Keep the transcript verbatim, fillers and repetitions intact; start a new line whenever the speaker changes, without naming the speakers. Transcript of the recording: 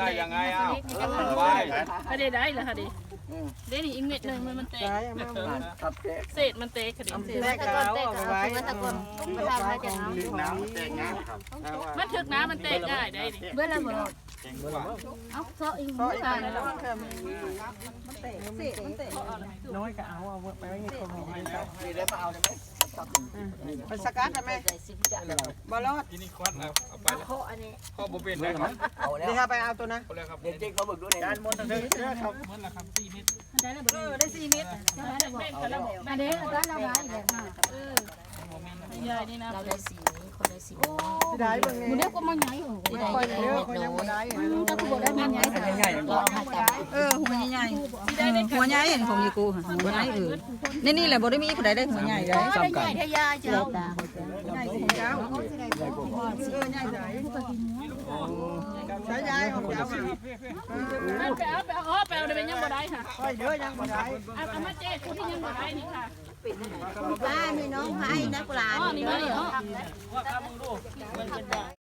ยังไงอ้าวไป
ได้ได้เหรอคะดิเดี๋ยวนี้อีกเม็ดหนึ่งมันมันแตกเศษมันแตกค่ะดิ
แตกเอาเอาไว้ตะกอนมาทำให้จะเอา
น้ำแตกงาครับ
มันถึกน้ำมันแตกได้ได้ดิ
เบื่อแล้วบ่เอาเซาะอีกมื้อกันแล้ว
น้อยก็เอาเอาไปไว้ในคนของมัน
ได้มาเอาได้ไหม
ไปสกัดได้ไหมบอลลอด
กินนี่ควัดเอาเอาไป
เคาะอันนี้
ข้อบุเป็นนะครับเอาแล้ว
เดี๋ยวไปเอาตัวนะ
เอาแล้วครับ
เด็กเจ๊กเขาบึกด้วยเนี่ย
ด้านบนทางนี้ครับเหมือนละครับสี่เมตร
ได้แล้วบ่ได้สี่เม็ดได้แล้วบ่อันนี้ได้แล้วได้อีกแล้วเออ
ใหญ่นี่นะ
เราได้สีนี้คนได้สีนี้
ได้เบิ่ง
มื้อ
นี่
นี้ก็มาใหญ่โอ้โหได้
คอย
เย
เย
อะ
อะคอยยังบ่ได้
ถ้ากูบ่ได้มาใหญ่แต่ใหญ่เราเอามาจับ
เออหัวใหญ่ๆหัวใหญ่เห็นของยีกูค่ะหัวใหญ่เออนี่นี่แหละบ่ได้มีผู้ใดได้หัวใหญ่ได้
ได้ใหญ่ทะยาเจ้า
ใหญ่ของเจ้า
ใช้ยายของเจ้า
มันไปเอาไปเอาอ๋อไปเอาได้เป็นยังบ่ได้ค่ะ
คอยเยอะยังบ่ได้
เอาเอามาเจ๊คุณที่ยังบ่ได้นี่ค่ะ
บ้านมีน้องให้นักหลาน
อ๋อนี่มานี่อ๋อ